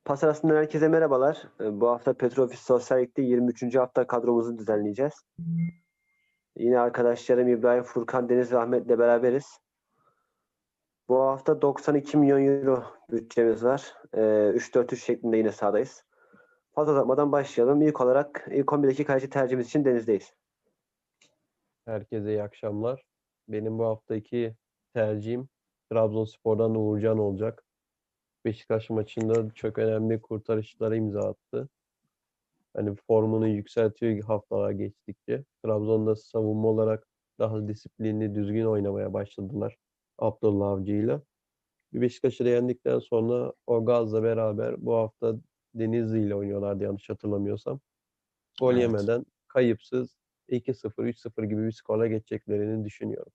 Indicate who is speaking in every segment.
Speaker 1: Pas arasından herkese merhabalar. Bu hafta Petrofis Sosyal Lig'de 23. hafta kadromuzu düzenleyeceğiz. Yine arkadaşlarım İbrahim, Furkan, Deniz ve Ahmet'le beraberiz. Bu hafta 92 milyon euro bütçemiz var. 3-4-3 şeklinde yine sahadayız. Fazla uzatmadan başlayalım. İlk olarak ilk 11'deki kaleci tercihimiz için Deniz'deyiz.
Speaker 2: Herkese iyi akşamlar. Benim bu haftaki tercihim Trabzonspor'dan Uğurcan olacak. Beşiktaş maçında çok önemli kurtarışlara imza attı. Hani formunu yükseltiyor haftalar geçtikçe. Trabzon'da savunma olarak daha disiplinli, düzgün oynamaya başladılar Abdullah Avcı'yla. Bir Beşiktaş'ı da yendikten sonra o gazla beraber bu hafta Denizli ile oynuyorlardı yanlış hatırlamıyorsam. Gol
Speaker 3: Evet.
Speaker 2: yemeden kayıpsız 2-0, 3-0 gibi bir skorla geçeceklerini düşünüyorum.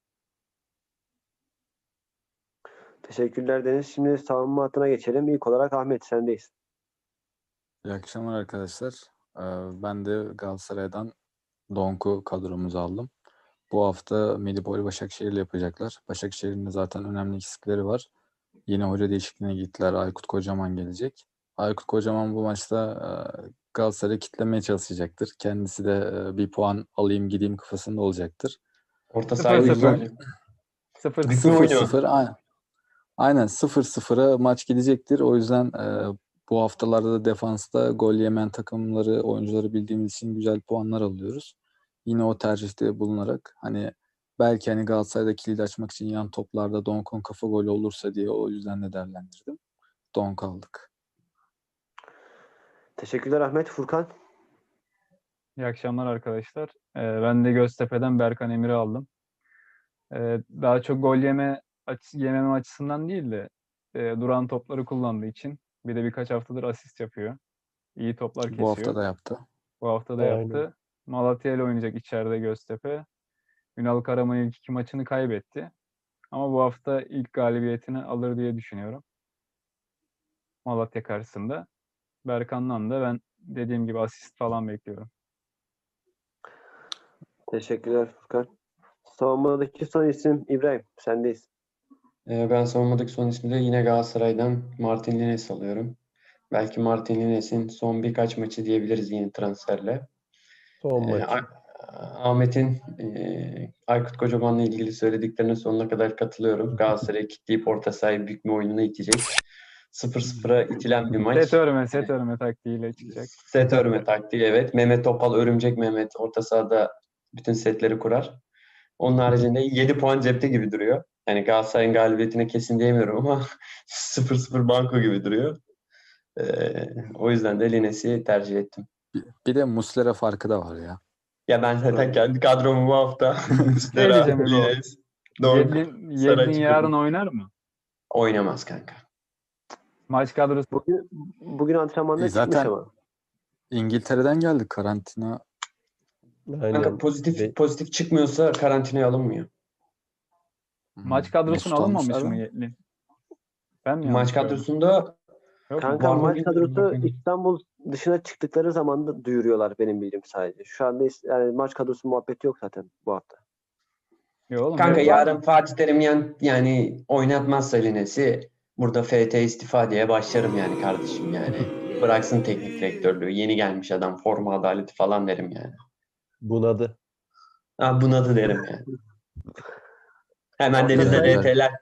Speaker 1: Teşekkürler Deniz. Şimdi savunma hattına geçelim. İlk olarak Ahmet, sendeyiz.
Speaker 3: İyi akşamlar arkadaşlar. Ben de Galatasaray'dan Donk'u kadromuza aldım. Bu hafta Medipol Başakşehir'le yapacaklar. Başakşehir'in de zaten önemli eksikleri var. Yine hoca değişikliğine gittiler. Aykut Kocaman gelecek. Aykut Kocaman bu maçta Galatasaray'ı kitlemeye çalışacaktır. Kendisi de bir puan alayım gideyim kafasında olacaktır.
Speaker 4: Orta
Speaker 3: O
Speaker 4: sahayı
Speaker 3: yüzden
Speaker 4: böyle.
Speaker 3: 0-0 aynen 0-0'a maç gidecektir. O yüzden bu haftalarda da defansta gol yemeyen takımları, oyuncuları bildiğimiz için güzel puanlar alıyoruz. Yine o tercihte bulunarak belki Galatasaray'da kilidi açmak için yan toplarda Donk'un kafa golü olursa diye o yüzden de değerlendirdim. Donk aldık.
Speaker 1: Teşekkürler Ahmet. Furkan.
Speaker 5: İyi akşamlar arkadaşlar. Ben de Göztepe'den Berkan Emir'i aldım. Daha çok gol yememe açısından değil de duran topları kullandığı için. Bir de birkaç haftadır asist yapıyor. İyi toplar kesiyor.
Speaker 3: Bu hafta da yaptı.
Speaker 5: Bu hafta da
Speaker 2: Aynen.
Speaker 5: yaptı. Malatya ile oynayacak içeride Göztepe. Ünal Karaman ilk iki maçını kaybetti. Ama bu hafta ilk galibiyetini alır diye düşünüyorum. Malatya karşısında. Berkan'dan da ben dediğim gibi asist falan bekliyorum.
Speaker 1: Teşekkürler Furkan. Savunmadaki son isim İbrahim. Sendeyiz.
Speaker 4: Ben savunmadaki son ismi de yine Galatasaray'dan Martin Lines alıyorum. Belki Martin Lines'in son birkaç maçı diyebiliriz yeni transferle.
Speaker 2: Son maçı.
Speaker 4: Ahmet'in Aykut Kocaman'la ilgili söylediklerine sonuna kadar katılıyorum. Galatasaray'ı kitleyip orta sahayı büyük bir oyununa itecek. 0-0'a itilen bir maç.
Speaker 5: Set örme taktiğiyle çıkacak.
Speaker 4: Set örme taktiği, evet. Mehmet Topal, Örümcek Mehmet orta sahada bütün setleri kurar. Onun haricinde 7 puan cepte gibi duruyor. Yani Galatasaray'ın galibiyetine kesin diyemiyorum ama 0-0 banko gibi duruyor. O yüzden de Lines'i tercih ettim.
Speaker 3: Bir de Muslera farkı da var ya.
Speaker 4: Ya ben zaten kendi kadromu bu hafta Muslera,
Speaker 5: diyeceğim İbo.
Speaker 4: Lines, Donk,
Speaker 5: Yedlin yarın oynar mı?
Speaker 4: oynamaz kanka.
Speaker 5: Maç kadrosu
Speaker 1: Bugün antrenmanda çıkmış
Speaker 3: Zaten
Speaker 1: ama.
Speaker 3: İngiltere'den geldik karantina.
Speaker 1: Hani
Speaker 4: Kanka pozitif çıkmıyorsa karantinaya alınmıyor.
Speaker 5: maç kadrosuna
Speaker 3: Mesut
Speaker 5: alınmamış
Speaker 3: almışlar
Speaker 5: mı
Speaker 3: da.
Speaker 5: Yedlin? Ben mi
Speaker 4: Maç
Speaker 5: yanlış gördüm?
Speaker 4: kadrosunda
Speaker 5: Yok mu?
Speaker 1: Kanka
Speaker 4: Var mı
Speaker 1: maç
Speaker 4: bilmiyorum,
Speaker 1: kadrosu
Speaker 4: bakayım.
Speaker 1: İstanbul dışına çıktıkları zaman da duyuruyorlar benim bildiğim sadece. Şu anda yani maç kadrosu muhabbeti yok zaten bu hafta.
Speaker 5: Yok oğlum.
Speaker 4: kanka
Speaker 5: benim-
Speaker 4: yarın Fatih Terim yani oynatmazsa Lines'i burada FT istifa diye başlarım yani kardeşim yani. Bıraksın teknik direktörlüğü. Yeni gelmiş adam, forma adaleti falan derim yani.
Speaker 2: Bunadı.
Speaker 4: Bunadı derim yani. Hemen
Speaker 1: Orta
Speaker 4: Deniz'de
Speaker 1: sahaya-
Speaker 4: DT'ler.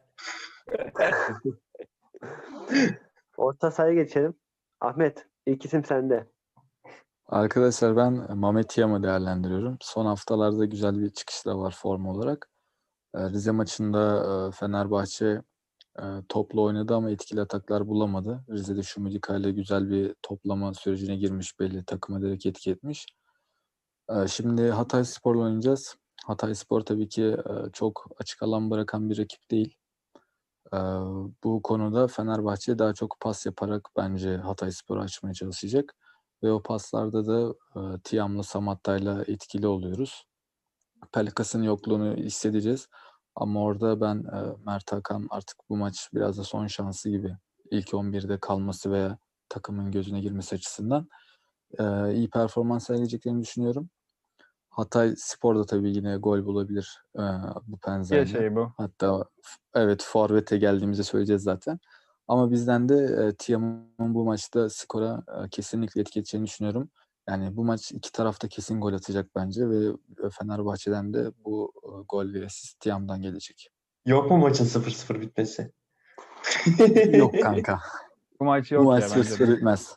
Speaker 1: Orta sahaya geçelim. Ahmet, ilk isim sende.
Speaker 3: Arkadaşlar ben Mehmet Yam'ı değerlendiriyorum. Son haftalarda güzel bir çıkışı da var form olarak. Rize maçında Fenerbahçe topla oynadı ama etkili ataklar bulamadı. Rize'de Şumudika ile güzel bir toplama sürecine girmiş belli. Takıma direkt etki etmiş. Şimdi Hatayspor'la oynayacağız. Hatayspor tabii ki çok açık alan bırakan bir rakip değil. Bu konuda Fenerbahçe daha çok pas yaparak bence Hatayspor'u açmaya çalışacak. Ve o paslarda da Tiam'la Samatta'yla etkili oluyoruz. Pelkas'ın yokluğunu hissedeceğiz. Ama orada ben Mert Hakan artık bu maç biraz da son şansı gibi. İlk 11'de kalması veya takımın gözüne girmesi açısından iyi performans sergileyeceklerini düşünüyorum. Hatay Spor da tabii yine gol bulabilir bu
Speaker 5: Bir
Speaker 3: benzerle.
Speaker 5: şey bu.
Speaker 3: Hatta evet forvete geldiğimizde söyleyeceğiz zaten. Ama bizden de Tiam'ın bu maçta skora kesinlikle etki edeceğini düşünüyorum. Yani bu maç iki tarafta kesin gol atacak bence ve Fenerbahçe'den de bu gol ve asist Tiam'dan gelecek.
Speaker 4: Yok mu maçın 0-0 bitmesi?
Speaker 3: Yok kanka.
Speaker 5: Bu maç
Speaker 3: Bu
Speaker 5: yok
Speaker 3: maç
Speaker 5: ya bence
Speaker 3: 0-0
Speaker 5: de.
Speaker 3: bitmez.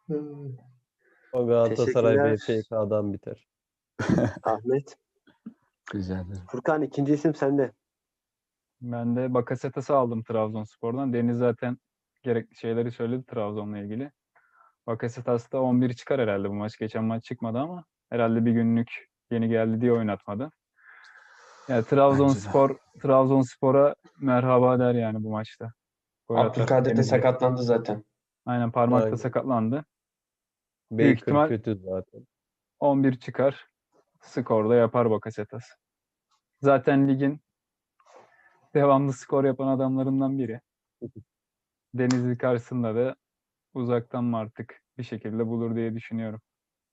Speaker 2: O Galatasaray
Speaker 1: Teşekkürler.
Speaker 2: BPK'dan biter.
Speaker 1: Ahmet.
Speaker 3: Rica ederim.
Speaker 1: Furkan, ikinci isim sende.
Speaker 5: Ben de Bakasetas'ı aldım Trabzonspor'dan. Deniz zaten gerekli şeyleri söyledi Trabzon'la ilgili. Bakasetas da 11 çıkar herhalde bu maç. Geçen maç çıkmadı ama herhalde bir günlük yeni geldi diye oynatmadı. Yani
Speaker 3: Bence de.
Speaker 5: Trabzonspor'a merhaba der yani bu maçta. Gol atar.
Speaker 4: Abdülkadir de
Speaker 5: Denizli.
Speaker 4: sakatlandı zaten.
Speaker 5: Aynen, parmakta
Speaker 2: Aynen.
Speaker 5: sakatlandı. Büyük
Speaker 2: Baker
Speaker 5: ihtimal
Speaker 2: kötü zaten.
Speaker 5: 11 çıkar. Skorda yapar Bakasetas. Zaten ligin devamlı skor yapan adamlarından biri. Denizli karşısında da uzaktan mı artık bir şekilde bulur diye düşünüyorum.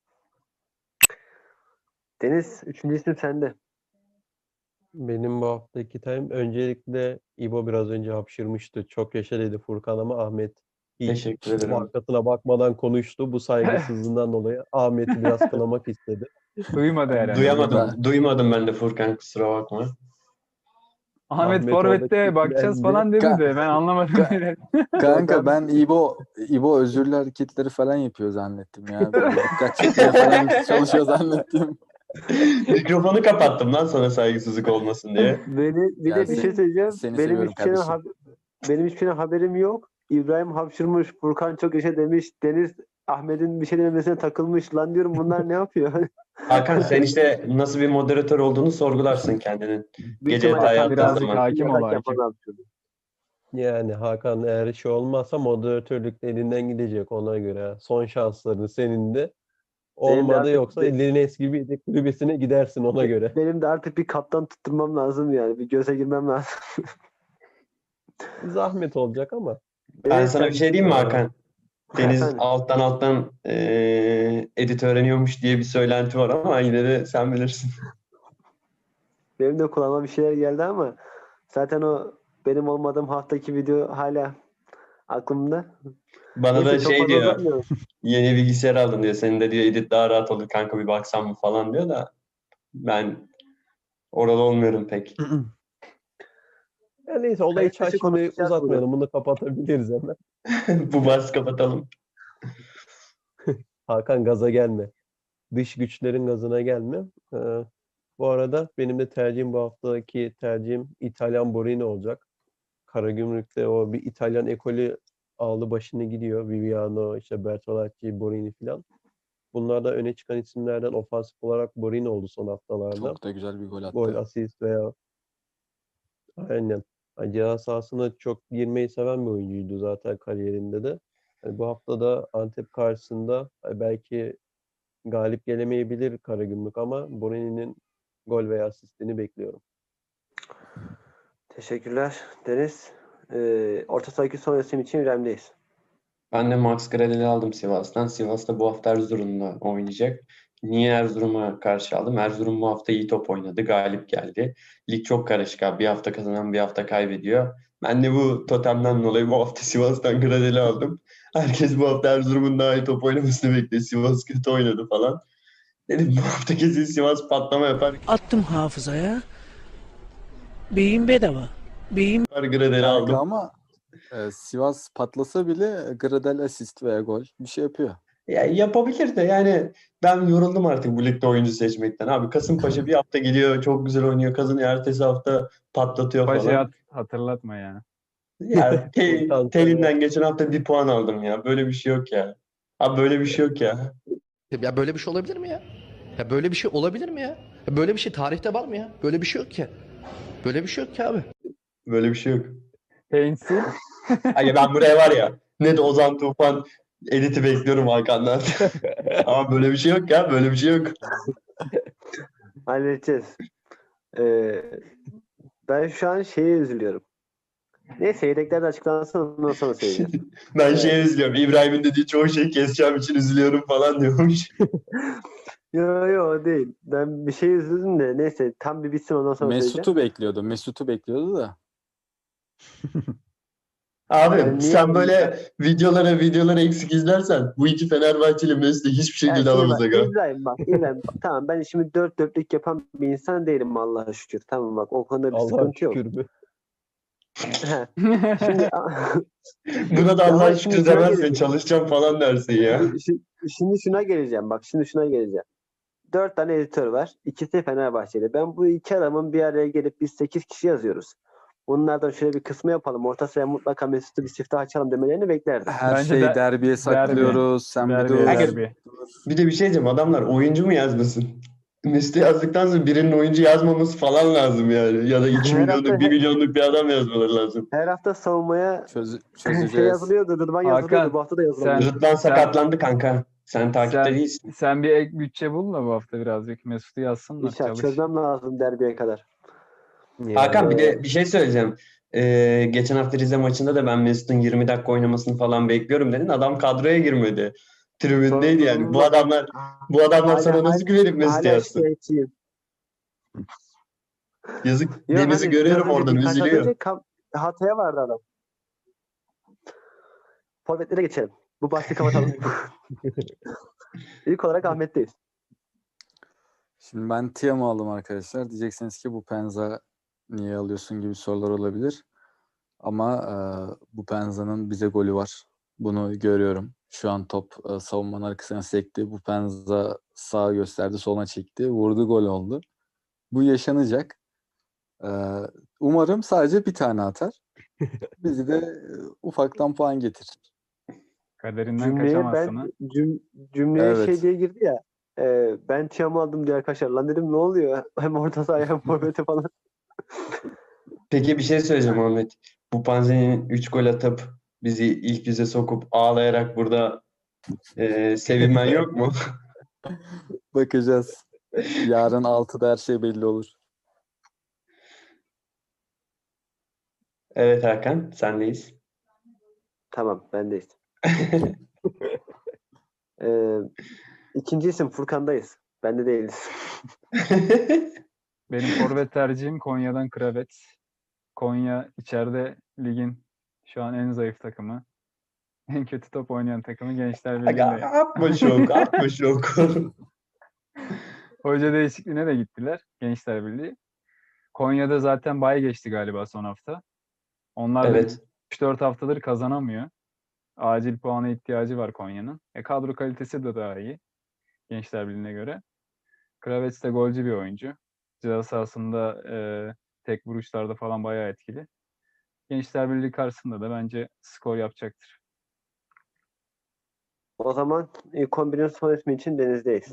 Speaker 1: Deniz, üçüncü isim sende.
Speaker 2: Benim bu haftaki time öncelikle İbo biraz önce hapşırmıştı. Çok yaşa dedi Furkan ama Ahmet hiç
Speaker 4: Teşekkür ederim.
Speaker 2: arkasına bakmadan konuştu. Bu saygısızlığından dolayı Ahmet'i biraz kınamak istedi.
Speaker 5: Duymadı herhalde.
Speaker 4: Duymadım ben de Furkan, kusura bakma.
Speaker 5: Ahmet
Speaker 2: Ahmet
Speaker 5: Forvet'te
Speaker 2: orada
Speaker 5: bakacağız
Speaker 2: kilitlendi.
Speaker 5: falan dedi de ben anlamadım.
Speaker 3: Kanka ben İbo özürlü hareketleri falan yapıyor zannettim ya. Böyle dikkat çekmeye falan çalışıyor zannettim.
Speaker 4: Mikrofonu kapattım lan sana saygısızlık olmasın diye.
Speaker 1: Bir
Speaker 3: Ya
Speaker 1: de bir şey söyleyeceğim.
Speaker 3: seni
Speaker 1: Benim
Speaker 3: seviyorum
Speaker 1: hiçbir şeyden,
Speaker 3: kardeşim.
Speaker 1: benim hiçbir şeyden haberim yok. İbrahim hapşırmış, Furkan çok yaşa demiş, Deniz Ahmet'in bir şey dememesine takılmış. Lan diyorum, bunlar ne yapıyor?
Speaker 4: Hakan, sen işte nasıl bir moderatör olduğunu sorgularsın kendinin.
Speaker 1: Büyük
Speaker 4: Gece
Speaker 1: ihtimalle
Speaker 4: yatağa yattığın
Speaker 5: birazcık
Speaker 4: zaman.
Speaker 5: hakim ol,
Speaker 1: yatak
Speaker 5: hakim.
Speaker 1: yapan hapşırdı.
Speaker 2: Yani Hakan eğer şey olmazsa moderatörlük de elinden gidecek ona göre. Son şansların senin de.
Speaker 1: Benim de
Speaker 2: Olmadı
Speaker 1: artık
Speaker 2: yoksa Lines gibi yedek kulübesine gidersin ona göre.
Speaker 1: benim de artık bir kaptan tutturmam lazım yani. Bir göze girmem lazım.
Speaker 2: Zahmet olacak ama.
Speaker 4: Ben sana bir şey diyeyim mi Hakan? Deniz
Speaker 1: Efendim,
Speaker 4: alttan edit öğreniyormuş diye bir söylenti var ama yine de sen bilirsin.
Speaker 1: benim de kulağıma bir şeyler geldi ama zaten o benim olmadığım haftaki video hala aklımda.
Speaker 4: Bana da
Speaker 1: Neyse, çok
Speaker 4: şey
Speaker 1: fazla
Speaker 4: diyor,
Speaker 1: uzatmıyorum.
Speaker 4: yeni bilgisayar aldın diyor. Senin de diyor edit daha rahat olur kanka, bir baksan mı falan diyor da ben oralı olmuyorum pek.
Speaker 2: Ya neyse olayı
Speaker 1: Kayıt dışı
Speaker 2: şimdi
Speaker 1: konuşacağız
Speaker 2: uzatmayalım. Bunu kapatabiliriz hemen.
Speaker 4: Bu bahsi kapatalım.
Speaker 2: Hakan gaza gelme. Dış güçlerin gazına gelme. Bu arada benim de tercihim bu haftaki tercihim İtalyan Borini olacak. Karagümrük'te o bir İtalyan ekolü aldı başını gidiyor. Viviano, işte Bertolacci, Borini filan. Bunlar da öne çıkan isimlerden ofansif olarak Borini oldu son haftalarda.
Speaker 3: Çok da güzel bir gol
Speaker 2: Gol,
Speaker 3: attı.
Speaker 2: asist veya aynen. Yani ceza sahasına çok girmeyi seven bir oyuncuydu zaten kariyerinde de. Yani bu hafta da Antep karşısında belki galip gelemeyebilir Karagümrük ama Borini'nin gol veya asistini bekliyorum.
Speaker 1: Teşekkürler Deniz. Orta sahaki son isim için İrem'deyiz.
Speaker 4: Ben de Max Gradel'i aldım Sivas'tan. Sivas'ta bu hafta Erzurum'da oynayacak. Niye Erzurum'a karşı aldım? Erzurum bu hafta iyi top oynadı. Galip geldi. Lig çok karışık abi. Bir hafta kazanan bir hafta kaybediyor. Ben de bu totemden dolayı bu hafta Sivas'tan Gradel'i aldım. Herkes bu hafta Erzurum'un daha iyi top oynamasını bekliyor. Sivas kötü oynadı falan. Dedim bu hafta kesin Sivas patlama yapar.
Speaker 6: Attım hafızaya. Beyin bedava. Beyin
Speaker 4: Gradel'i
Speaker 3: Kanka
Speaker 4: aldım.
Speaker 3: ama Sivas patlasa bile Gradel asist veya gol bir şey yapıyor.
Speaker 4: Ya yapabilir de yani ben yoruldum artık bu ligde oyuncu seçmekten. Abi Kasımpaşa bir hafta geliyor, çok güzel oynuyor, kazanıyor. Ertesi hafta patlatıyor
Speaker 5: Paşa'yı
Speaker 4: falan.
Speaker 5: hatırlatma ya.
Speaker 4: Ya
Speaker 2: Kanka,
Speaker 4: Telinden geçen hafta bir puan aldım ya. Böyle bir şey yok ya. Abi böyle bir şey yok ya.
Speaker 7: Ya böyle bir şey olabilir mi ya? Ya böyle bir şey olabilir mi ya? Ya böyle bir şey tarihte var mı ya? Böyle bir şey yok ki. Böyle bir şey yok ki abi.
Speaker 4: Böyle bir şey yok.
Speaker 5: Painsil.
Speaker 4: Ay ben buraya var ya, ne de Ozan Tufan editi bekliyorum Hakan'dan. Ama böyle bir şey yok ya. Böyle bir şey yok.
Speaker 1: Halledeceğiz. Ee, Ben şu an şeye üzülüyorum. Neyse, yedekler de açıklansın, ondan sonra söyleyeceğim.
Speaker 4: Ben şey üzülüyorum. İbrahim'in dediği çoğu şeyi keseceğim için üzülüyorum falan diyormuş.
Speaker 1: Yo o değil. Ben bir şey üzüldüm de neyse, tam bir bitsin ondan sonra söyleyeceğim.
Speaker 3: Mesut'u bekliyordu da.
Speaker 4: Abi
Speaker 1: Yani niye
Speaker 4: sen böyle videoları eksik izlersen bu iki Fenerbahçeli Mesut'u hiçbir
Speaker 1: Yani
Speaker 4: şekilde
Speaker 1: şimdi
Speaker 4: alamaz
Speaker 1: bak
Speaker 4: aga.
Speaker 1: İbrahim bak, tamam ben işimi dört dörtlük yapan bir insan değilim Allah'a şükür. Tamam bak o konuda bir
Speaker 2: Allah'a
Speaker 1: sıkıntı yok.
Speaker 2: şükür mü?
Speaker 1: He. Şimdi
Speaker 4: Buna da
Speaker 1: ama
Speaker 4: Allah'a
Speaker 1: şimdi
Speaker 4: şükür
Speaker 1: şuna
Speaker 4: demezsin,
Speaker 1: geleceğim.
Speaker 4: çalışacağım falan dersin ya.
Speaker 1: Şimdi şuna geleceğim bak şimdi şuna geleceğim. 4 tane editör var. İkisi Fenerbahçeli. Ben bu iki adamın bir araya gelip biz 8 kişi yazıyoruz. Bunlardan şöyle bir kısmı yapalım. Orta sıraya mutlaka Mesut'u bir siftah açalım demelerini beklerdim.
Speaker 3: Her
Speaker 5: Bence
Speaker 3: şeyi
Speaker 5: de-
Speaker 3: derbiye saklıyoruz. Sen bir dur.
Speaker 5: Derbi.
Speaker 4: Bir de bir şey diyeceğim, adamlar oyuncu mu yazmasın? Mesut'u yazdıktan sonra birinin oyuncu yazmaması falan lazım yani. Ya da 2
Speaker 1: Her
Speaker 4: milyonluk,
Speaker 1: hafta
Speaker 4: 1 milyonluk bir adam yazmaları lazım.
Speaker 1: her hafta savunmaya
Speaker 3: Çözeceğiz.
Speaker 1: yazılıyordu. Rıdvan yazılıyordu.
Speaker 5: Hakan,
Speaker 1: Bu hafta da yazılamıyor.
Speaker 5: sen-
Speaker 4: Rıdvan sakatlandı kanka. Sen takipte değilsin.
Speaker 5: Sen bir ek bütçe bul da bu hafta birazcık Mesut'u yazsınlar.
Speaker 1: İnşallah
Speaker 5: Çalış.
Speaker 1: çözmem lazım derbiye kadar.
Speaker 4: Hakan bir
Speaker 1: Ee,
Speaker 4: de bir şey söyleyeceğim. Geçen hafta Rize maçında da ben Mesut'un 20 dakika oynamasını falan bekliyorum dedin. Adam kadroya girmedi. Tribündeydi yani. Bu adamlar sana nasıl güvenip Mesut
Speaker 1: hala
Speaker 4: yazsın?
Speaker 1: şikayetçiyim.
Speaker 4: Yazık.
Speaker 1: Yo,
Speaker 4: Deniz'i
Speaker 1: hani
Speaker 4: görüyorum
Speaker 1: biraz önce
Speaker 4: oradan,
Speaker 1: birkaç hafta
Speaker 4: üzülüyor.
Speaker 1: önce Hatay'a vardı adam. Forvetlere geçelim. Bu bahsi kapatalım. İlk olarak Ahmet'teyiz.
Speaker 3: Şimdi ben Tiam'ı aldım arkadaşlar. Diyeceksiniz ki bu Penza niye alıyorsun gibi sorular olabilir. Ama bu Penza'nın bize golü var. Bunu görüyorum. Şu an top savunmanın arkasına sekti. Bu Penza sağa gösterdi, soluna çekti. Vurdu, gol oldu. Bu yaşanacak. E, Umarım sadece bir tane atar. Bizi de ufaktan puan getirir.
Speaker 5: Kaderinden
Speaker 1: Cümleye
Speaker 5: kaçamazsın ha.
Speaker 1: cümleye
Speaker 3: Evet.
Speaker 1: şey diye girdi ya. Ben Tiam'ı aldım diye arkadaşlar. Lan dedim ne oluyor? Hem orta sahaya hem forvete falan.
Speaker 4: Peki bir şey söyleyeceğim Ahmet. Bu Panzer'in 3 gol atıp bizi ilk yüze sokup ağlayarak burada sevinmen yok mu?
Speaker 3: Bakacağız. Yarın 6'da her şey belli olur.
Speaker 4: Evet Hakan, sendeyiz.
Speaker 1: Tamam bendeyiz. İkinci isim Furkan'dayız. Bende değiliz.
Speaker 5: Benim forvet tercihim Konya'dan Kravet. Konya içeride ligin şu an en zayıf takımı. En kötü top oynayan takımı Gençler
Speaker 4: Aga,
Speaker 5: Birliği'nde.
Speaker 4: atma şok.
Speaker 5: Hoca değişikliğine de gittiler Gençler Birliği. Konya'da zaten bay geçti galiba son hafta. Onlar da
Speaker 4: Evet.
Speaker 5: 3-4 haftadır kazanamıyor. Acil puana ihtiyacı var Konya'nın. Kadro kalitesi de daha iyi Gençler Birliği'ne göre. Kravets de golcü bir oyuncu. Ceza sahasında tek vuruşlarda falan bayağı etkili. Gençler Birliği karşısında da bence skor yapacaktır.
Speaker 1: O zaman ilk 11'in son ismi için Deniz'deyiz.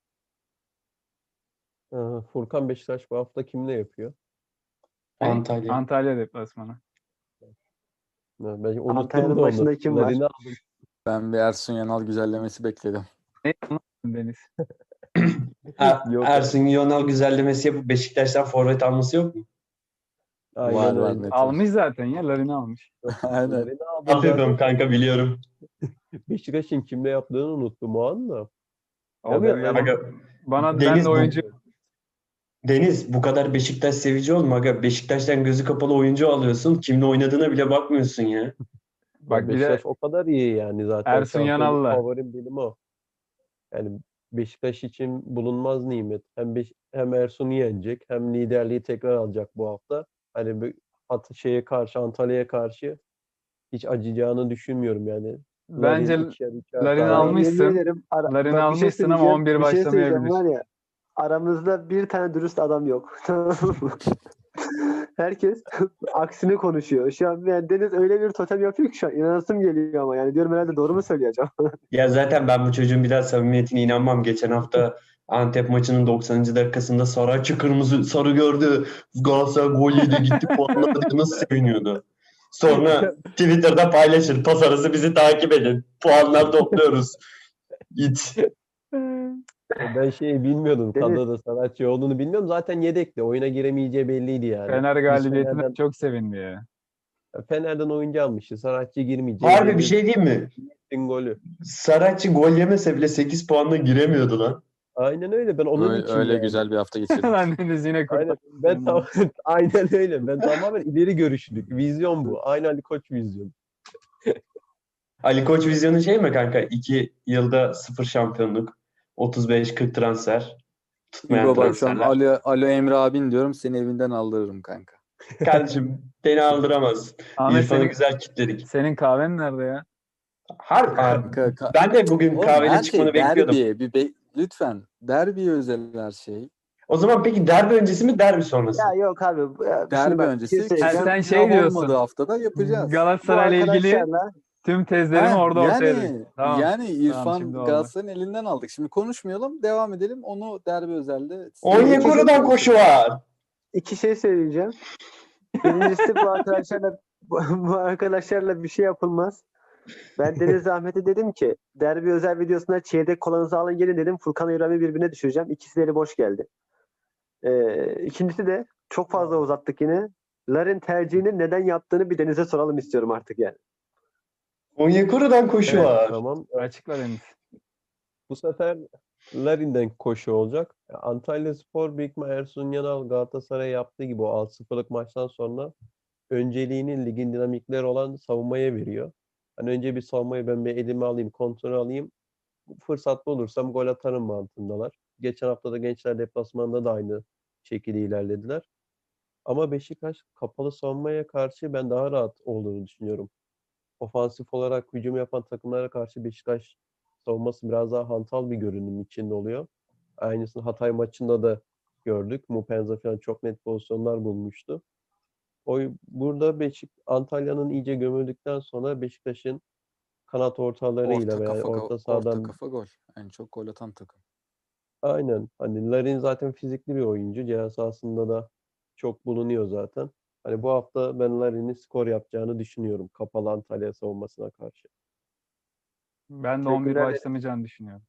Speaker 2: Furkan Beşiktaş bu hafta kimle yapıyor?
Speaker 4: Antalya.
Speaker 5: Antalya deplasmanı.
Speaker 2: Ben unuttum
Speaker 1: Antalya'nın
Speaker 2: da onu.
Speaker 1: başında kim var?
Speaker 2: Larin'i aldım.
Speaker 3: Ben bir Ersun Yanal güzellemesi bekledim.
Speaker 5: Ne anlamadın Deniz?
Speaker 2: Yok.
Speaker 4: Ersun Yanal güzellemesi yapıp Beşiktaş'tan forvet alması yok mu?
Speaker 2: Aynen
Speaker 3: Var
Speaker 2: öyle.
Speaker 3: net.
Speaker 5: Almış zaten ya. Larin'i almış.
Speaker 3: Aynen.
Speaker 2: Larin'i aldım
Speaker 4: Affediyorum
Speaker 2: zaten.
Speaker 4: kanka, biliyorum.
Speaker 2: Beşiktaş'ın kimle yaptığını unuttum o an da.
Speaker 5: Oluyor
Speaker 2: ben-
Speaker 5: ya.
Speaker 4: Aga,
Speaker 5: Ben
Speaker 4: Deniz
Speaker 5: de oyuncu
Speaker 4: Deniz bu kadar Beşiktaş sevici olma aga. Beşiktaş'tan gözü kapalı oyuncu alıyorsun. Kimle oynadığına bile bakmıyorsun ya.
Speaker 5: bak bir de
Speaker 2: Beşiktaş o kadar iyi yani zaten.
Speaker 5: Ersun
Speaker 2: Şampiyonluk
Speaker 5: Yanal'la.
Speaker 2: favorim benim o. Yani Beşiktaş için bulunmaz nimet. Hem Ersun'u yenecek hem liderliği tekrar alacak bu hafta. Hani Antalya'ya karşı hiç acıyacağını düşünmüyorum yani.
Speaker 5: Bence
Speaker 2: Larin ikişer
Speaker 5: Larin'i
Speaker 2: tane.
Speaker 5: almışsın.
Speaker 1: Yemin ederim,
Speaker 5: Larin'i
Speaker 1: bak bir şey
Speaker 5: almışsın ama
Speaker 1: söyleyeceğim.
Speaker 5: 11
Speaker 1: Bir şey söyleyeceğim
Speaker 5: başlamayabilir.
Speaker 1: var ya. Aramızda bir tane dürüst adam yok. Tamam mı? Herkes aksini konuşuyor. Şu an yani Deniz öyle bir totem yapıyor ki şu an inanasım geliyor ama yani diyorum herhalde doğru mu söyleyeceğim?
Speaker 4: Ya zaten ben bu çocuğun bir daha samimiyetine inanmam. Geçen hafta Antep maçının 90. dakikasında Saratçı kırmızı sarı gördü. Galatasaray gol yedi, gitti puanladı diye nasıl seviniyordu. Sonra Twitter'da paylaşır. Pas arası bizi takip edin. Puanlar topluyoruz. İt.
Speaker 2: Ben bilmiyordum.
Speaker 1: Deniz.
Speaker 2: Kadroda sanatçı olduğunu bilmiyorum. Zaten yedekti. Oyuna giremeyeceği belliydi yani.
Speaker 5: Fener
Speaker 2: Biz
Speaker 5: galibiyetine çok sevindi ya.
Speaker 2: Fener'den oyuncu almıştı. Sanatçı girmeyecek.
Speaker 4: Harbi bir şey diyeyim mi?
Speaker 2: Golü.
Speaker 4: Saratçı gol yemese bile 8 puanla giremiyordu lan.
Speaker 2: Aynen öyle. Ben onun için
Speaker 3: Öyle
Speaker 2: yani.
Speaker 3: güzel bir hafta geçirdik.
Speaker 5: Lan Deniz yine
Speaker 2: Aynen.
Speaker 5: kurtar.
Speaker 2: Aynen öyle. Ben tamamen ileri görüşlülük. Vizyon bu. Aynı Ali Koç vizyon.
Speaker 4: Ali Koç vizyonu şey mi kanka? 2 yılda 0 şampiyonluk, 35-40 transfer, tutmayan
Speaker 3: İbo bak şu an
Speaker 4: transferler.
Speaker 3: Alo Emre abin diyorum, seni evinden aldırırım kanka.
Speaker 4: Kardeşim beni aldıramaz.
Speaker 5: Ahmet
Speaker 4: İrfan'ı
Speaker 5: senin,
Speaker 4: güzel kitledik.
Speaker 5: senin kahven nerede ya?
Speaker 3: Kanka,
Speaker 4: Ben de bugün
Speaker 3: oğlum
Speaker 4: kahvenin
Speaker 3: her
Speaker 4: çıkmanı
Speaker 3: şey
Speaker 4: bekliyordum.
Speaker 3: lütfen derbiye özel her şey.
Speaker 4: O zaman peki derbi öncesi mi derbi sonrası?
Speaker 1: Ya yok abi. Şimdi
Speaker 3: Derbi
Speaker 1: bak bir şey
Speaker 3: öncesi
Speaker 1: söyleyeceğim.
Speaker 5: sen
Speaker 3: kişi
Speaker 5: şey
Speaker 3: olmadığı
Speaker 5: diyorsun.
Speaker 3: haftada yapacağız.
Speaker 1: Bu
Speaker 5: Galatasaray'la ilgili
Speaker 1: arkadaşlarla
Speaker 5: tüm tezlerimi orada ortaya döktüm.
Speaker 3: Yani
Speaker 5: Tamam.
Speaker 3: yani
Speaker 5: Tamam, şimdi
Speaker 3: İrfan
Speaker 5: oldu.
Speaker 3: Galatasaray'ın elinden aldık. Şimdi konuşmayalım, devam edelim. Onu derbi özelde
Speaker 4: Onyekuru'dan koşu var.
Speaker 1: iki şey söyleyeceğim. Birincisi bu arkadaşlarla bir şey yapılmaz. Ben Deniz Ahmet'e dedim ki derbi özel videosuna çeyrek kolanızı alın gelin dedim. Furkan İbrahim'i birbirine düşüreceğim. İkisi de eli boş geldi. İkincisi de çok fazla uzattık yine. Larin tercihini neden yaptığını bir Deniz'e soralım istiyorum artık yani.
Speaker 4: Onyekuru'dan koşu
Speaker 2: Evet,
Speaker 4: var.
Speaker 2: tamam.
Speaker 5: Açıkla Deniz.
Speaker 2: Bu sefer Larin'den koşu olacak. Antalyaspor büyük ihtimal Ersun Yanal Galatasaray yaptığı gibi o 6-0'lık maçtan sonra önceliğini ligin dinamikleri olan savunmaya veriyor. Hani önce bir savunmayı ben bir elime alayım, kontrol alayım. Fırsatlı olursam gol atarım mantığındalar. Geçen hafta da Gençler deplasmanında da aynı şekilde ilerlediler. Ama Beşiktaş kapalı savunmaya karşı ben daha rahat olduğunu düşünüyorum. Ofansif olarak hücum yapan takımlara karşı Beşiktaş savunması biraz daha hantal bir görünüm içinde oluyor. Aynısını Hatay maçında da gördük. Mupenza falan çok net pozisyonlar bulmuştu. Burada Antalya'nın iyice gömüldükten sonra Beşiktaş'ın kanat ortalarıyla veya orta sahadan
Speaker 3: kafa gol. En çok gol atan takım.
Speaker 2: aynen. Hani Larin zaten fizikli bir oyuncu. Ceza sahasında da çok bulunuyor zaten. Hani bu hafta ben Larin'in skor yapacağını düşünüyorum kapalı Antalya savunmasına karşı.
Speaker 5: Ben de 11
Speaker 1: Teşekkürler.
Speaker 5: başlamayacağını düşünüyorum.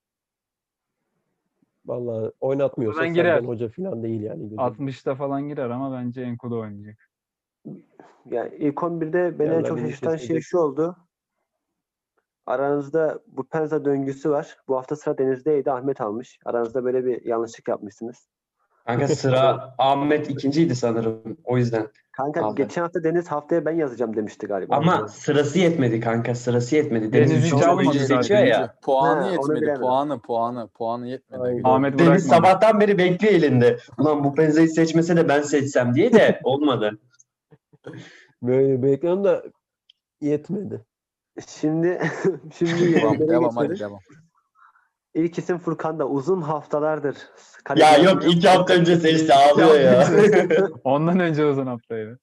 Speaker 2: Vallahi oynatmıyorsa
Speaker 5: Oradan
Speaker 2: Sergen
Speaker 5: girer.
Speaker 2: Hoca falan değil yani gözüm.
Speaker 5: 60'ta falan girer ama bence Enkudu oynayacak.
Speaker 1: Yani ilk 11'de beni en çok
Speaker 2: Yerlerini
Speaker 1: şaşırtan şey
Speaker 2: kesecek.
Speaker 1: şu oldu. Aranızda bu Penza döngüsü var. Bu hafta sıra Deniz'deydi. Ahmet almış. Aranızda böyle bir yanlışlık yapmışsınız.
Speaker 4: Kanka sıra Ahmet ikinciydi sanırım. O yüzden
Speaker 1: Kanka
Speaker 4: aldı.
Speaker 1: geçen hafta Deniz haftaya ben yazacağım demişti galiba.
Speaker 4: Ama sırası yetmedi kanka. Sırası yetmedi.
Speaker 5: Deniz
Speaker 4: Deniz
Speaker 5: hiç
Speaker 4: üçüncü
Speaker 5: almadı
Speaker 4: oyuncu
Speaker 5: zaten.
Speaker 4: seçiyor ya.
Speaker 3: Puanı
Speaker 1: Ha, onu
Speaker 3: yetmedi.
Speaker 1: bilemem.
Speaker 3: Puanı yetmedi.
Speaker 2: Aynen.
Speaker 5: Ahmet
Speaker 4: Deniz
Speaker 5: bırakmadı.
Speaker 4: sabahtan beri bekliyor elinde. Ulan bu Penza'yı seçmese de ben seçsem diye de olmadı.
Speaker 2: Böyle bekliyorum da yetmedi.
Speaker 1: Şimdi
Speaker 3: Devam,
Speaker 1: yenilgilere
Speaker 3: devam hadi
Speaker 1: geçiyoruz.
Speaker 3: devam.
Speaker 1: İlk isim Furkan'da uzun haftalardır.
Speaker 4: Ya yok 2 hafta önce seçti ağlıyor ya.
Speaker 5: Ondan önce uzun haftaydı.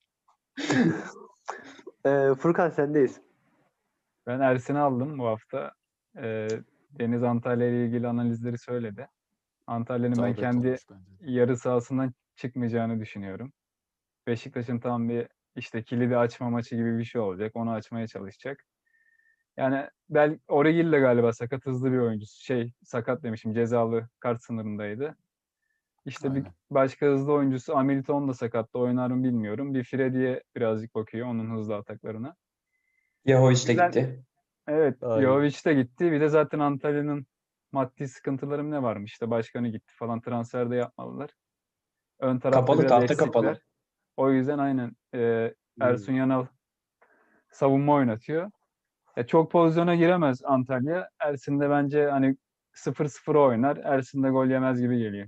Speaker 1: Furkan sendeyiz.
Speaker 5: Ben Ersin'i aldım bu hafta. Deniz Antalya ile ilgili analizleri söyledi. Antalya'nın ben
Speaker 3: İsabet
Speaker 5: kendi
Speaker 3: olmuş bence.
Speaker 5: yarı sahasından çıkmayacağını düşünüyorum. Beşiktaş'ın tam bir işte kilidi açma maçı gibi bir şey olacak. Onu açmaya çalışacak. Yani Origil de galiba sakat, hızlı bir oyuncusu. Sakat demişim, cezalı, kart sınırındaydı. İşte bir
Speaker 3: Aynen.
Speaker 5: başka hızlı oyuncusu Hamilton da sakattı. Oynar mı bilmiyorum. Bir Freddy'ye birazcık bakıyor, onun hızlı ataklarına.
Speaker 4: Yaho işte
Speaker 5: Güzel.
Speaker 4: gitti.
Speaker 5: Evet,
Speaker 2: Aynen.
Speaker 5: Jovic de gitti. Bir de zaten Antalya'nın maddi sıkıntıları ne varmış? İşte başkanı gitti falan, transfer de yapmalılar. Ön tarafta
Speaker 4: Kapalı,
Speaker 5: biraz
Speaker 4: tahta
Speaker 5: eksikler.
Speaker 4: kapalı.
Speaker 5: O yüzden aynen Ersun Yanal savunma oynatıyor. Çok pozisyona giremez Antalya. Ersin de bence hani 0-0 oynar. Ersin de gol yemez gibi geliyor.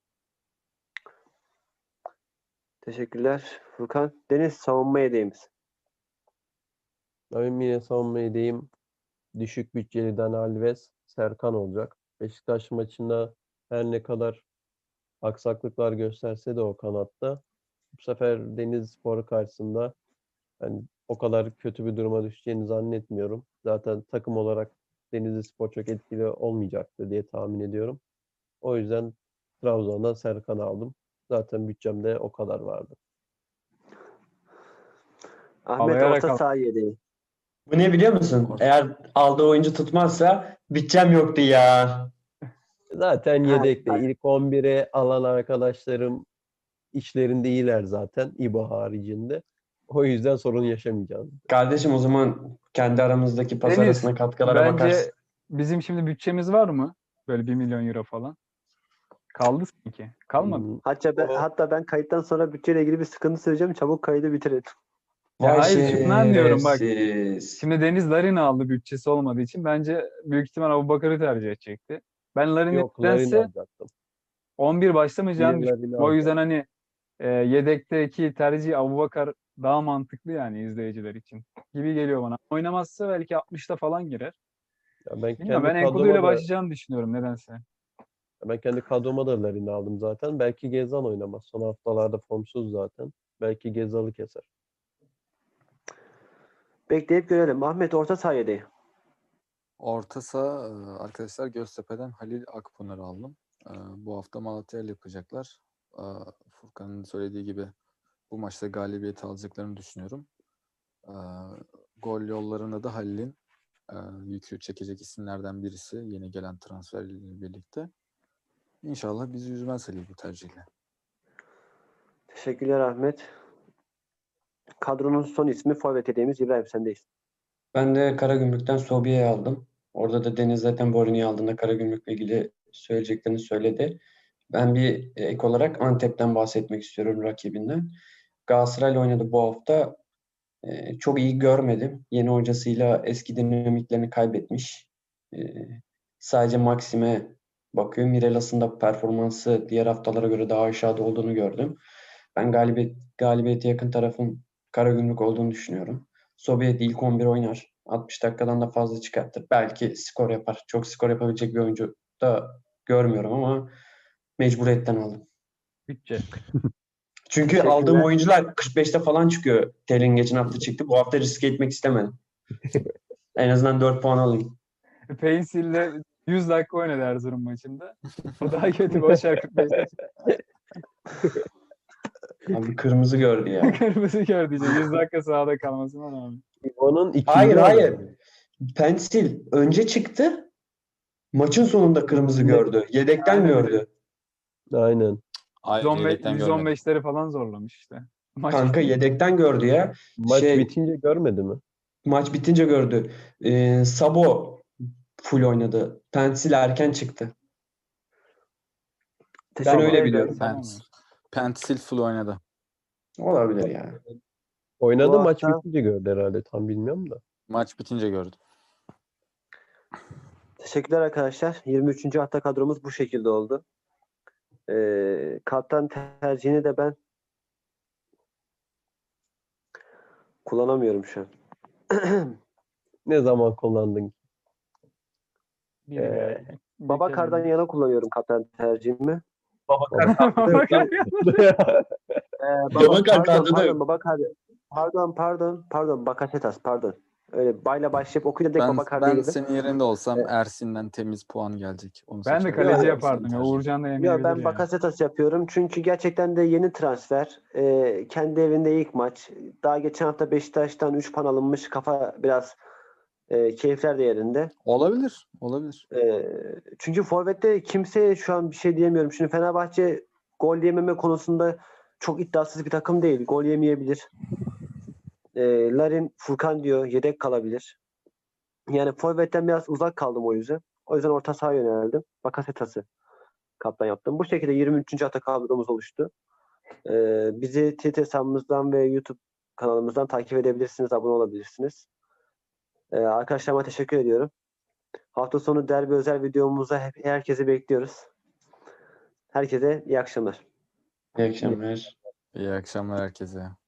Speaker 1: Teşekkürler Furkan. Deniz savunma yedeğimiz.
Speaker 2: Ben yine savunma edeyim. Düşük bütçeli Dani Alves, Serkan olacak. Beşiktaş maçında her ne kadar aksaklıklar gösterse de o kanatta bu sefer Denizlispor karşısında yani o kadar kötü bir duruma düşeceğini zannetmiyorum. Zaten takım olarak Denizlispor çok etkili olmayacaktır diye tahmin ediyorum. O yüzden Trabzon'dan Serkan aldım. Zaten bütçemde o kadar vardı.
Speaker 1: Ahmet
Speaker 5: Alayarak
Speaker 1: orta
Speaker 5: al.
Speaker 1: saha yedeği.
Speaker 4: Bu ne biliyor musun? Eğer aldığı oyuncu tutmazsa bütçem yoktu ya.
Speaker 2: Zaten
Speaker 1: Ha,
Speaker 2: yedekte ilk 11'e alan arkadaşlarım işlerinde iyiler zaten İBO haricinde. O yüzden sorun yaşamayacağız.
Speaker 4: Kardeşim o zaman kendi aramızdaki pas
Speaker 5: Deniz,
Speaker 4: arasına katkılara bakarsın.
Speaker 5: bence bizim şimdi bütçemiz var mı? Böyle 1 milyon euro falan. Kaldı sanki. Kalmadı.
Speaker 2: Hmm,
Speaker 1: Hatta ben kayıttan sonra bütçeyle ilgili bir sıkıntı söyleyeceğim. Çabuk kaydı bitirelim.
Speaker 5: Ya
Speaker 4: Vay
Speaker 5: hayır, şundan diyorum bak.
Speaker 4: şerefsiz.
Speaker 5: Şimdi Deniz Larin'i aldı bütçesi olmadığı için. Bence büyük ihtimal Abubakar'ı tercih edecekti. Ben Larin'in
Speaker 2: Yok, Larin'i
Speaker 5: nedense
Speaker 2: alacaktım.
Speaker 5: 11 başlamayacağını
Speaker 2: Yine
Speaker 5: düşünüyorum.
Speaker 2: Larin'i
Speaker 5: O yüzden
Speaker 2: alacaktım.
Speaker 5: hani yedekteki tercih Abubakar daha mantıklı yani izleyiciler için gibi geliyor bana. Oynamazsa belki 60'ta falan girer.
Speaker 2: Ya ben
Speaker 5: Bilmiyorum, ben
Speaker 2: kendi
Speaker 5: Enkudu ile
Speaker 2: kadroma da
Speaker 5: başlayacağını düşünüyorum nedense.
Speaker 2: Larin'i aldım zaten. Belki Gezal oynamaz. Son haftalarda formsuz zaten. Belki Gezal'ı keser.
Speaker 1: Bekleyip görelim. Ahmet orta saha yedeği.
Speaker 3: Orta saha arkadaşlar Göztepe'den Halil Akpınar'ı aldım. Bu hafta Malatya ile yapacaklar. Furkan'ın söylediği gibi bu maçta galibiyeti alacaklarını düşünüyorum. Gol yollarında da Halil'in yükü çekecek isimlerden birisi yeni gelen transferle birlikte. İnşallah bizi üzmez Halil bu tercihle.
Speaker 1: Teşekkürler Ahmet. Kadronun son ismi forvet yedeğimiz İbrahim, sendeyiz.
Speaker 4: Ben de Karagümrük'ten Sobi'yi aldım. Orada da Deniz zaten Borini'yi aldığında Karagümrük'le ilgili söyleyeceklerini söyledi. Ben bir ek olarak Antep'ten bahsetmek istiyorum, rakibinden. Galatasaray'la oynadı bu hafta. Çok iyi görmedim. Yeni hocasıyla eski dinamiklerini kaybetmiş. E, Sadece Maxim'e bakıyor. Mirelas'ın da performansı diğer haftalara göre daha aşağıda olduğunu gördüm. Ben galibiyete yakın tarafın Karagümrük olduğunu düşünüyorum. Sovyet ilk 11 oynar. 60 dakikadan da fazla çıkartır. Belki skor yapar. Çok skor yapabilecek bir oyuncu da görmüyorum ama mecburiyetten aldım.
Speaker 5: Bütçe.
Speaker 4: Çünkü aldığım
Speaker 1: Teşekkürler.
Speaker 4: oyuncular 45'te falan çıkıyor. Telin geçen hafta çıktı. Bu hafta riske etmek istemedim. En azından 4 puan alayım.
Speaker 5: Paisley'le 100 dakika oynadı Erzurum maçında. O daha kötü. Boşver 45'te
Speaker 4: Abi kırmızı gördü ya.
Speaker 5: kırmızı gördü. 100 dakika sahada kalmasına rağmen.
Speaker 2: İbo'nun ikinci
Speaker 4: Hayır
Speaker 2: adamı.
Speaker 4: hayır. Pensil önce çıktı. Maçın sonunda kırmızı gördü. Yedekten
Speaker 5: Aynen öyle.
Speaker 4: gördü.
Speaker 2: Aynen.
Speaker 3: Hayır,
Speaker 5: 115,
Speaker 3: yedekten görmedim.
Speaker 5: 115'leri falan zorlamış işte. Maç
Speaker 4: Kanka yedekten gördü ya.
Speaker 2: Maç bitince görmedi mi?
Speaker 4: Maç bitince gördü. Sabo full oynadı. Pensil erken çıktı. Ben öyle
Speaker 1: Teşekkürler
Speaker 4: biliyorum.
Speaker 1: İbrahim.
Speaker 3: Pensil full oynadı.
Speaker 4: Olabilir ya.
Speaker 2: Oynadı,
Speaker 1: Bu
Speaker 2: maç
Speaker 1: hafta
Speaker 2: bitince gördü herhalde. Tam bilmiyorum da.
Speaker 3: Maç bitince gördüm.
Speaker 1: teşekkürler arkadaşlar. 23. hafta kadromuz bu şekilde oldu. Kaptan tercihini de ben kullanamıyorum şu an.
Speaker 2: Ne zaman kullandın?
Speaker 5: bir gel.
Speaker 1: Babakar'dan yana kullanıyorum kaptan tercihimi.
Speaker 4: Babakar
Speaker 1: Pardon,
Speaker 4: kadroda yok.
Speaker 1: Babakar. Pardon, Bakasetas, pardon. Öyle bayla başlayıp okuyunca direkt Babakar diye
Speaker 3: Ben
Speaker 1: girdim.
Speaker 3: senin yerinde olsam Ersin'den temiz puan gelecek. Onu
Speaker 5: Ben de
Speaker 3: seçerdim.
Speaker 5: kaleci
Speaker 1: Yok,
Speaker 5: yapardım ya.
Speaker 3: Tercih.
Speaker 5: Uğurcan da
Speaker 1: Ya
Speaker 5: yemeyebilir
Speaker 1: ben
Speaker 5: yani.
Speaker 1: Bakasetas yapıyorum çünkü gerçekten de yeni transfer. Kendi evinde ilk maç. Daha geçen hafta Beşiktaş'tan 3 puan alınmış. Kafa biraz keyifler de yerinde.
Speaker 3: Olabilir. Olabilir.
Speaker 1: Çünkü forvette kimseye şu an bir şey diyemiyorum. Şimdi Fenerbahçe gol yememe konusunda çok iddiasız bir takım değil. Gol yemeyebilir. Larin, Furkan diyor yedek kalabilir. Yani forvetten biraz uzak kaldım o yüzden. O yüzden orta sahaya yöneldim. Bakasetas'ı kaptan yaptım. Bu şekilde 23. hafta kadromuz oluştu. Bizi Twitter hesabımızdan ve YouTube kanalımızdan takip edebilirsiniz, abone olabilirsiniz. Arkadaşlarıma teşekkür ediyorum. Hafta sonu derbi özel videomuzda herkesi bekliyoruz. Herkese iyi akşamlar.
Speaker 4: İyi akşamlar.
Speaker 3: İyi akşamlar herkese.